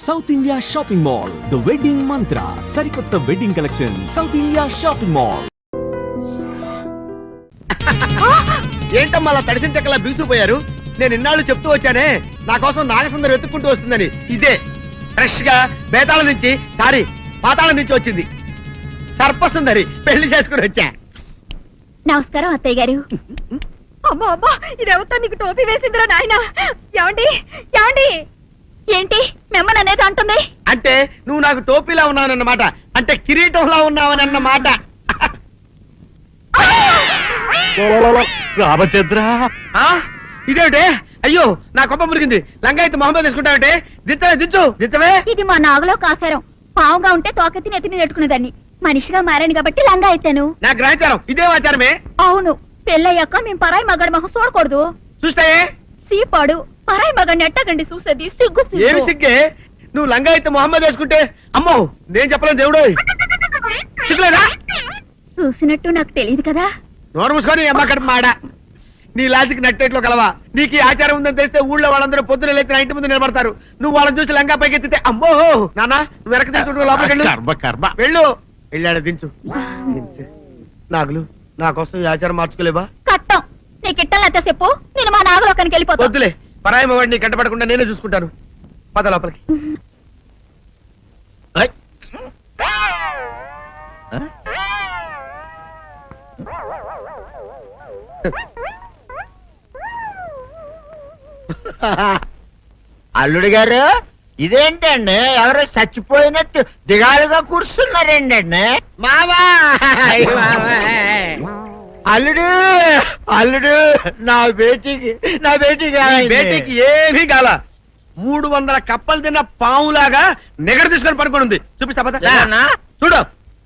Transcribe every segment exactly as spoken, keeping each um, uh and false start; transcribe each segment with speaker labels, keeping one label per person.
Speaker 1: South India shopping mall, the wedding Mantra, సరికొత్త wedding collection, south India shopping mall.
Speaker 2: ఏంటమ్మా అలా తడిసిన చెక్కలా బిగుసిపోయారు? నేను ఇన్నాళ్ళు చెప్తూ వచ్చానే నా కోసం నాగసుందరం వెతుక్కుంటూ వస్తుందని. ఇదే ఫ్రెష్ గా బేతాళం నుంచి సారీ పాతాళం నుంచి వచ్చింది సర్పసుందరి. పెళ్లి చేసుకుని వచ్చా.
Speaker 3: నమస్కారం అత్తయ్య గారు. అమ్మా అమ్మా ఇదేవతో నీకు టోపీ వేసిందిరా నాయన. ఏమండి ఏమండి ఏంటి మిమ్మల్ని అనేది అంటుంది?
Speaker 2: అంటే నువ్వు నాకు టోపీలా ఉన్నావనన్నమాట, అంటే కిరీటంలా ఉన్నావనన్నమాట.
Speaker 4: రామచంద్ర,
Speaker 2: ఇదేమిటే? అయ్యో నా కొప్ప మురిగింది. లంగాయత్ మొహమ్మద్ తీసుకుంటావంటే దిచ్చవే దించు దిచ్చవే.
Speaker 3: ఇది మా నాగులో కాసారం. పావుగా ఉంటే తోకెత్తి నెత్తి మీద పెట్టుకునేదాన్ని. మనిషిగా మారాను కాబట్టి లంగా అయితాను.
Speaker 2: నా గ్రహచారం ఇదే ఆచారమే.
Speaker 3: అవును, పెళ్ళయ్యాక మేము పరాయి మగాడి మొహం చూడకూడదు.
Speaker 2: చూస్తాయే
Speaker 3: సీపాడు పరాయి మగాడిని ఎట్టగండి చూసేది. సిగ్గు
Speaker 2: ఏమి సిగ్గే? నువ్వు లంగాయత్ మొహమ్మద్ వేసుకుంటే అమ్మో నేను చెప్పలేను దేవుడు. సిగ్గులేదా?
Speaker 3: చూసినట్టు నాకు తెలియదు కదా.
Speaker 2: నోరు మూసుకొని అమ్మ కడుపు మాడ. నీ లాజిక్ నట్టేట్లో కలవా? నీకు ఈ ఆచారం ఉందని తెలిస్తే ఊళ్ళో వాళ్ళందరూ పొద్దున లేచి నా ఇంటి ముందు నిలబడతారు. నువ్వు వాళ్ళని చూసి లంగా పైకి ఎత్తితే అమ్మో నాన్న నువ్వు వెనక తీసుకుంటూ లోపలికి
Speaker 4: కర్మ కర్మ.
Speaker 2: వెళ్ళు. వెళ్ళాడు దించు దించు. నాగులు నా కోసం ఈ ఆచారం మార్చుకోలేవా?
Speaker 3: కట్టం నీకు ఇట్టలేత చెప్పు. నేను మా నాగలోకానికి వెళ్ళిపోతా.
Speaker 2: వద్దులే, పరాయి వాడిని కంటపడకుండా నేనే చూసుకుంటాను. పద లోపలికి.
Speaker 4: ఐ. ఆ?
Speaker 5: అల్లుడు గారు ఇదేంటండి ఎవరో చచ్చిపోయినట్టు దిగాలుగా కూర్చున్నారేంటండి?
Speaker 2: మావా
Speaker 5: అల్లుడు అల్లుడు నా బేటీకి నా బేటీకి
Speaker 2: బేటీకి ఏమీ కాల. మూడు వందల కప్పలు తిన్న పావులాగా నిగడ తీసుకొని పడుకొని ఉంది. చూపిస్తా పద.
Speaker 5: ఏమన్నా?
Speaker 2: చూడు.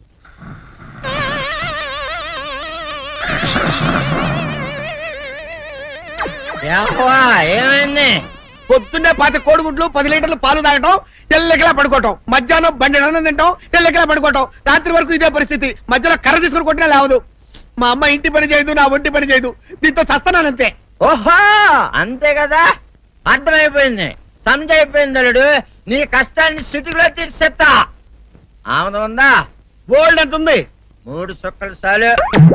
Speaker 5: ఏవ్వా, ఏమైంది?
Speaker 2: పొద్దున్నే పాతి కోడిగుడ్లు పది లీటర్లు పాలు తాగటం, తెల్లకిలా పడుకోవటం, మధ్యాహ్నం బండి అన్నం తింటాం, తెల్లకిలా పడుకోవటం, రాత్రి వరకు ఇదే పరిస్థితి. మధ్యలో కర్ర తీసుకుని కొట్టినా లేవదు. మా అమ్మ ఇంటి పని చేయదు, నా ఒంటి పని చేయదు. దీంతో చస్తున్నానంతే.
Speaker 5: ఓహో అంతే కదా, అర్థమైపోయింది, సమజైపోయింది. అల్లుడు నీ కష్టాన్ని సిటీలో తీర్చేస్తా. ఆమె ఉందా?
Speaker 2: బోల్డ్ ఎంత ఉంది?
Speaker 5: మూడు సుక్కలు చాలు.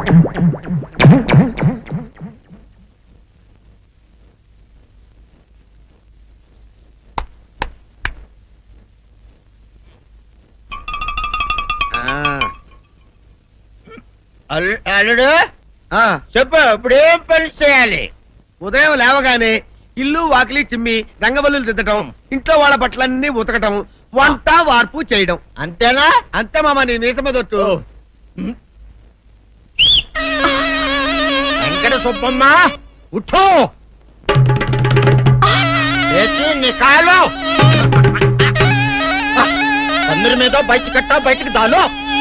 Speaker 5: అల్లుడు
Speaker 2: ఆ,
Speaker 5: చెప్పు, ఇప్పుడు ఏం పని చేయాలి?
Speaker 2: ఉదయం లేవగానే ఇల్లు వాకిలి చిమ్మి రంగవల్లులు దిద్దటం, ఇంట్లో వాళ్ళ బట్టలన్నీ ఉతకటం, వంట వార్పు చేయడం.
Speaker 5: అంతేనా?
Speaker 2: అంతే మామ. నీ మీసమదొట్టు.
Speaker 5: వెంకట సుబ్బమ్మ ఉఠో, లేచి నీ కాలు అందరి మీద బయట కట్ట బయటికి దాలో.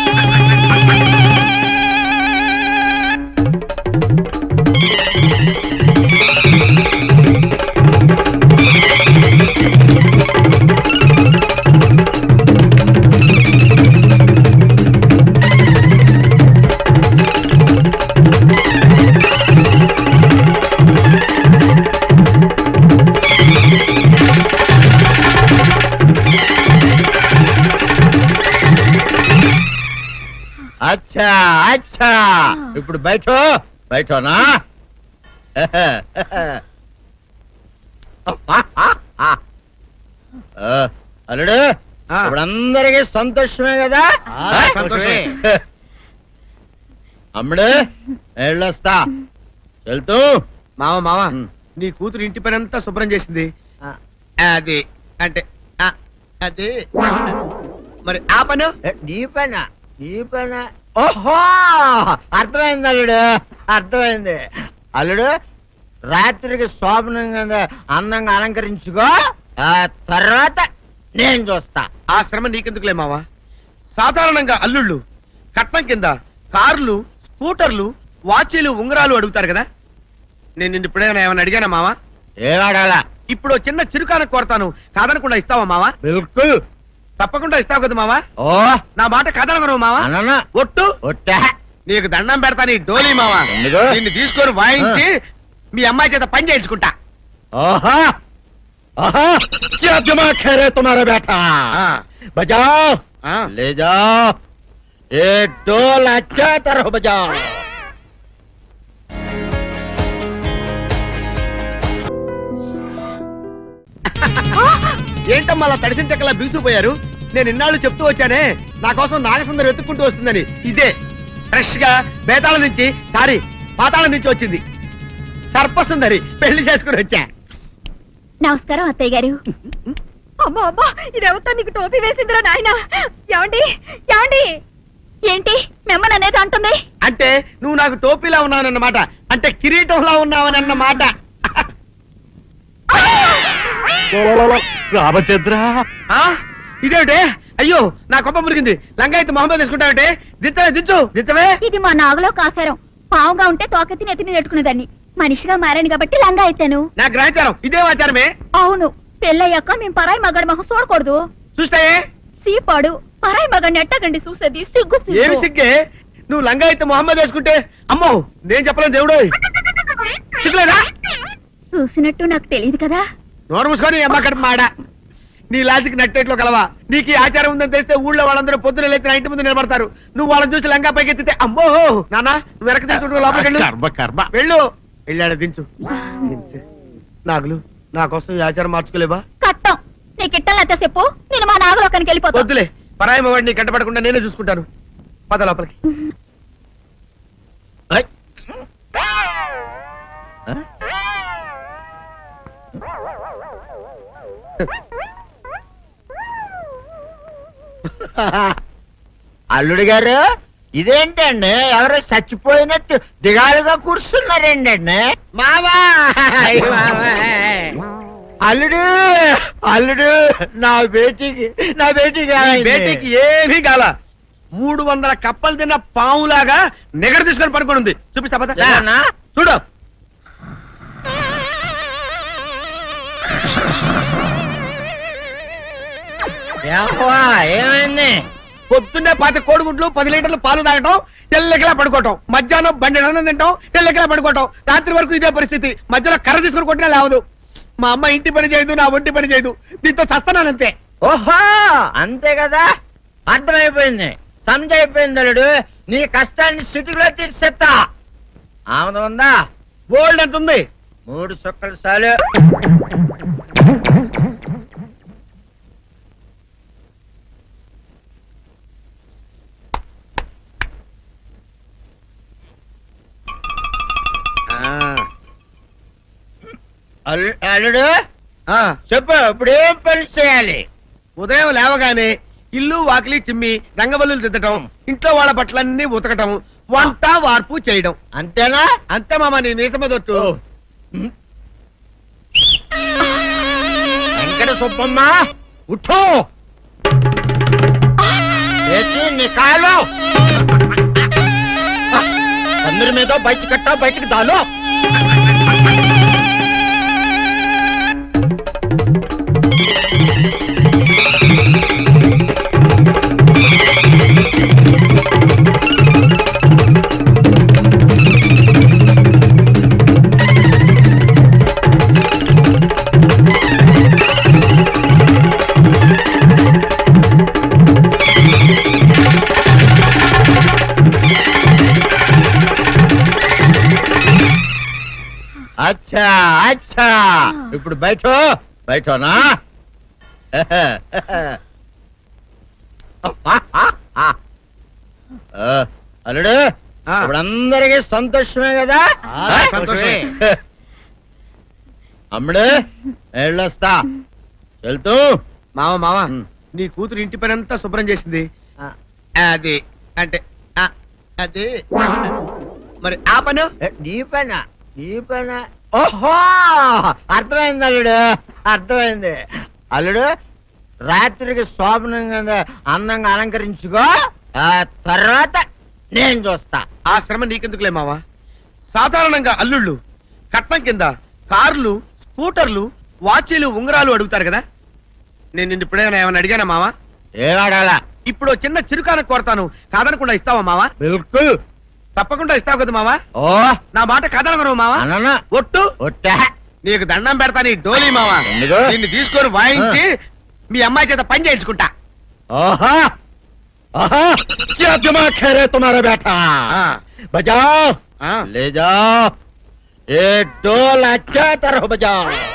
Speaker 5: అచ్చా అచ్చా, ఇప్పుడు బయట బయటనా? అల్లుడు
Speaker 2: ఆ.
Speaker 5: ఇప్పుడు అందరికీ సంతోషమే కదా?
Speaker 2: ఆ, సంతోషమే.
Speaker 5: అమ్ముడు వెళ్ళొస్తా. వెళ్తూ
Speaker 2: మామ మామ
Speaker 5: ఉమ్.
Speaker 2: నీ కూతురు ఇంటి పని అంతా శుభ్రం చేసింది.
Speaker 5: ఆ.
Speaker 2: అది అంటే ఆ, అది మరి ఆ పను
Speaker 5: ఏ, నీ పైన నీ పైన. ఓహో అర్థమైంది అల్లుడు, అర్థమైంది. అల్లుడు రాత్రికి శోభనంగా అందంగా అలంకరించుకో, ఆ తర్వాత నేను చూస్తా.
Speaker 2: ఆ శ్రమ నీకెందుకులే మావా. సాధారణంగా అల్లుళ్ళు కట్నం కింద కార్లు, స్కూటర్లు, వాచీలు, ఉంగరాలు అడుగుతారు కదా. నేను నిన్ను ఇప్పుడేమైనా ఏమైనా అడిగానా మావా?
Speaker 5: ఏవాడాలా?
Speaker 2: ఇప్పుడు చిన్న చిరుకాన కోరతాను, కాదనకుండా ఇస్తావా మావా?
Speaker 5: బిల్కుల్
Speaker 2: తప్పకుండా ఇస్తావు కదా మావా?
Speaker 5: ఓ
Speaker 2: నా మాట కాదనగను మావా.
Speaker 5: అననా
Speaker 2: ఒట్టు
Speaker 5: ఒట్టా.
Speaker 2: నీకు దండం పెడతా నీ డోలీ మావా.
Speaker 5: ఎందుకు?
Speaker 2: నిన్ను తీసుకొని వాయించి మీ అమ్మాయి చేత పని చేయించుకుంటా.
Speaker 5: ఓహో आहा, क्या दिमाग है रे तुम्हारा बेटा? बजाओ, ले जाओ, एक डोल अच्छा तरह बजाओ.
Speaker 2: ఏంటమ్మా అలా తడిసిన చెక్కలా బిగుసిపోయారు? నేను ఇన్నాళ్ళు చెప్తూ వచ్చానే నా కోసం నాగసుందరం వెతుక్కుంటూ వస్తుందని. ఇదే ఫ్రెష్ గా బేతాళం నుంచి సారీ పాతాళం నుంచి వచ్చింది. సర్పసుందరి పెళ్లి చేసుకుని వచ్చా.
Speaker 3: నమస్కారం అత్తయ్య గారు. అమ్మా అమ్మా ఇదేవతా నీకు టోపీ వేసిందిరా నాయన. ఏమండి ఏమండి ఏంటి మిమ్మల్ని అనేది అంటుంది?
Speaker 2: అంటే నువ్వు నాకు టోపీలా ఉన్నావనన్నమాట, అంటే కిరీటంలా ఉన్నావనన్నమాట.
Speaker 5: రామచంద్ర,
Speaker 2: ఆ? ఇదేమిటే? అయ్యో నా కొప్ప మురిగింది. లంగా అయితే మొహమ్మద్ తీసుకుంటావంటే దిచ్చవే దించు దిచ్చవే.
Speaker 3: ఇది మా నాగులో కాసారం. పావుగా ఉంటే తోకెత్తి నెత్తి మీద పెట్టుకునేదాన్ని. మనిషిగా మారాను కాబట్టి లంగా అయితాను.
Speaker 2: నా గ్రహచారం ఇదే ఆచారమే.
Speaker 3: అవును, పెళ్ళయ్యాక మేము పరాయి మగాడి మొహం చూడకూడదు.
Speaker 2: చూస్తాయే
Speaker 3: సీపాడు పరాయి మగాడిని ఎట్టగండి చూసేది. సిగ్గు
Speaker 2: ఏమి సిగ్గే? నువ్వు లంగా అయితే మొహమ్మద్ వేసుకుంటే అమ్మో నేను చెప్పలేను దేవుడు. సిగ్గులేదా?
Speaker 3: చూసినట్టు నాకు తెలియదు కదా.
Speaker 2: నోరు మూసుకొని అమ్మ కడుపు మాడ. నీ లాజిక్ నట్టేట్లో కలవా? నీకు ఈ ఆచారం ఉందని తెలిస్తే ఊళ్ళో వాళ్ళందరూ పొద్దున లేచి నా ఇంటి ముందు నిలబడతారు. నువ్వు వాళ్ళని చూసి లంగా పైకి ఎత్తితే అమ్మో నాన్న నువ్వు వెనక తీసుకుంటూ లోపలికి వెళ్ళు.
Speaker 5: కర్మ కర్మ.
Speaker 2: వెళ్ళు వెళ్ళాడు దించు. దించు. నాగులు నా కోసం ఈ ఆచారం మార్చుకోలేవా?
Speaker 3: కట్టం నీకు ఇట్టలేత చెప్పు. నేను మా నాగలోకానికి వెళ్ళిపోతా.
Speaker 2: వద్దులే, పరాయి మవాడిని కంటపడకుండా నేనే చూసుకుంటాను. పద లోపలికి.
Speaker 5: ఐ. ఆ? అల్లుడు గారు, ఇదేంటండి ఎవరో చచ్చిపోయినట్టు దిగాలుగా కూర్చున్నారేంటండి? మావా అల్లుడు అల్లుడు నా బేటీకి నా బేటీకి
Speaker 2: బేటీకి ఏమీ కాల. మూడు వందల కప్పలు తిన్న పావులాగా నిగడ తీసుకొని పడుకొని ఉంది. చూపిస్తా పద.
Speaker 5: ఏమన్నా?
Speaker 2: చూడు.
Speaker 5: ఏవ్వా, ఏమైంది?
Speaker 2: పొద్దున్నే పాతి కోడిగుడ్లు పది లీటర్లు పాలు తాగటం, తెల్లకిలా పడుకోవటం, మధ్యాహ్నం బండి అన్నం తింటాం, తెల్లకిలా పడుకోవటం, రాత్రి వరకు ఇదే పరిస్థితి. మధ్యలో కర్ర తీసుకుని కొట్టినా లేవదు. మా అమ్మ ఇంటి పని చేయదు, నా ఒంటి పని చేయదు. దీంతో చస్తున్నానంతే.
Speaker 5: ఓహో, అంతే కదా, అర్థమైపోయింది, సమజైపోయింది. అల్లుడు నీ కష్టాన్ని స్థితిలో తీర్చేస్తా. ఆమె ఉందా?
Speaker 2: గోల్డ్ ఎంత ఉంది?
Speaker 5: మూడు సుక్కలు చాలు. అల్లు- అల్లుడు
Speaker 2: ఆ,
Speaker 5: చెప్పు, ఇప్పుడు ఏం పని చేయాలి?
Speaker 2: ఉదయం లేవగానే ఇల్లు వాకిలి చిమ్మి రంగవల్లులు దిద్దటం, ఇంట్లో వాళ్ళ బట్టలన్నీ ఉతకటం, వంట వార్పు చేయడం.
Speaker 5: అంతేనా?
Speaker 2: అంతే మామ, నీ మీసమదొట్టు.
Speaker 5: వెంకట సుబ్బమ్మ, ఉఠో, లేచి నీ కాలు అందరి మీద బయట కట్టా, బయటికి దాలో. అచ్చా అచ్చా, ఇప్పుడు బయట బయటనా? అల్లుడు,
Speaker 2: ఆ.
Speaker 5: ఇప్పుడు అందరికీ సంతోషమే కదా?
Speaker 2: ఆ, సంతోషమే.
Speaker 5: అమ్ముడు వెళ్ళొస్తా, వెళ్తూ.
Speaker 2: మామ మామ
Speaker 5: ఉమ్.
Speaker 2: నీ కూతురు ఇంటి పని అంతా శుభ్రం చేసింది. అది అంటే ఆ, అది మరి ఆ పను
Speaker 5: ఏ, నీ పైన నీ పైన ఓహో, అర్థమైంది అల్లుడు, అర్థమైంది. అల్లుడు రాత్రికి శోభనంగా అందంగా అలంకరించుకో, ఆ తర్వాత నేను చూస్తా.
Speaker 2: ఆ శ్రమ నీకెందుకులే మావా. సాధారణంగా అల్లుళ్ళు కట్నం కింద కార్లు, స్కూటర్లు, వాచీలు, ఉంగరాలు అడుగుతారు కదా. నేను నిన్ను ఇప్పుడేమైనా ఏమైనా అడిగానా మావా?
Speaker 5: ఏవాడాలా?
Speaker 2: ఇప్పుడు ఓ చిన్న చిరుకాన కోరతాను, కాదనకుండా ఇస్తావా మావా?
Speaker 5: బిల్కుల్
Speaker 2: తప్పకుండా ఇస్తావు కదా మావా?
Speaker 5: ఓ
Speaker 2: నా మాట కాదనగను మావా?
Speaker 5: అనను.
Speaker 2: ఒట్టు
Speaker 5: ఒట్టా
Speaker 2: నీకు దండం పెడతాను ఈ డోలీ మావా
Speaker 5: ఎందుకు?
Speaker 2: దీన్ని తీసుకొని వాయించి మీ అమ్మాయి చేత పని చేయించుకుంటా
Speaker 5: आहा आहा क्या दिमाग है रे तुम्हारा बेटा
Speaker 2: हाँ।
Speaker 5: बजाओ
Speaker 2: हाँ।
Speaker 5: ले जाओ ये ढोल अच्छा तरह बजाओ